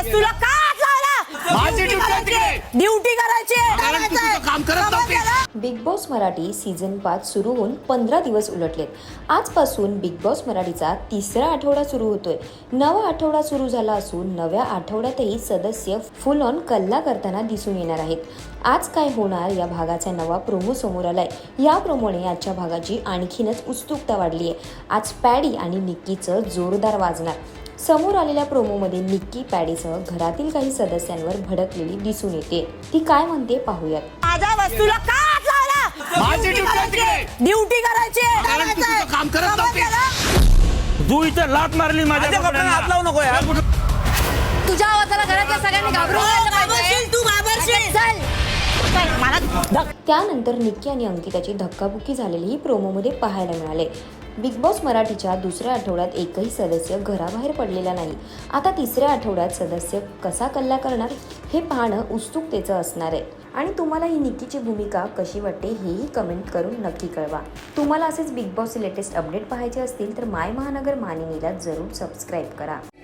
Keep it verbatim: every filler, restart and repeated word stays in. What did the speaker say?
तुला का हात लावला? माझी ड्युटी करायची काम करत नव्हती. बिग बॉस मराठी सीझन पाच सुरू होऊन पंधरा दिवस उलटलेत. आजपासून बिग बॉस मराठीचा तिसरा आठवडा सुरू होतोय. नवा आठवडा सुरू झाला असून नव्या आठवड्यातही सदस्य फुल ऑन कल्ला करताना दिसून येणार आहेत. आज काय होणार या भागाचा नवा प्रोमो समोर आलाय. या प्रोमोने आजच्या भागाची आणखीनच उत्सुकता वाढली आहे. आज पॅडी आणि निक्कीचं जोरदार वाजणार. समोर आलेल्या प्रोमोमध्ये निक्की पॅडीसह घरातील काही सदस्यांवर भडकलेली दिसून येते. ती काय म्हणते पाहूयात. माझ्या वस्तूला का हात लावला? माझी ड्युटी करायची काम करत नव्हती. तू इथे लात मारली माझ्या कपड्यांना हात लावू नको यार. तुझ्या आवाजाला घरातल्या सगळ्यांनी घाबरून तू घाबरशील. चल मला त्यानंतर निक्की आणि अंकिताची धक्काबुक्की झालेली प्रोमोमध्ये पाहायला मिळाले. बिग बॉस मराठीच्या दुसऱ्या आठवड्यात एकही सदस्य घराबाहेर पडलेला नाही. आता तिसऱ्या आठवड्यात सदस्य कसा कल्ला करणार हे पाहणं उत्सुकतेचं असणार आहे. आणि तुम्हाला ही निक्कीची भूमिका कशी वाटते हेही कमेंट करून नक्की कळवा. तुम्हाला असेच बिग बॉसचे लेटेस्ट अपडेट पाहायचे असतील तर माय महानगर मानिनीला जरूर सबस्क्राईब करा.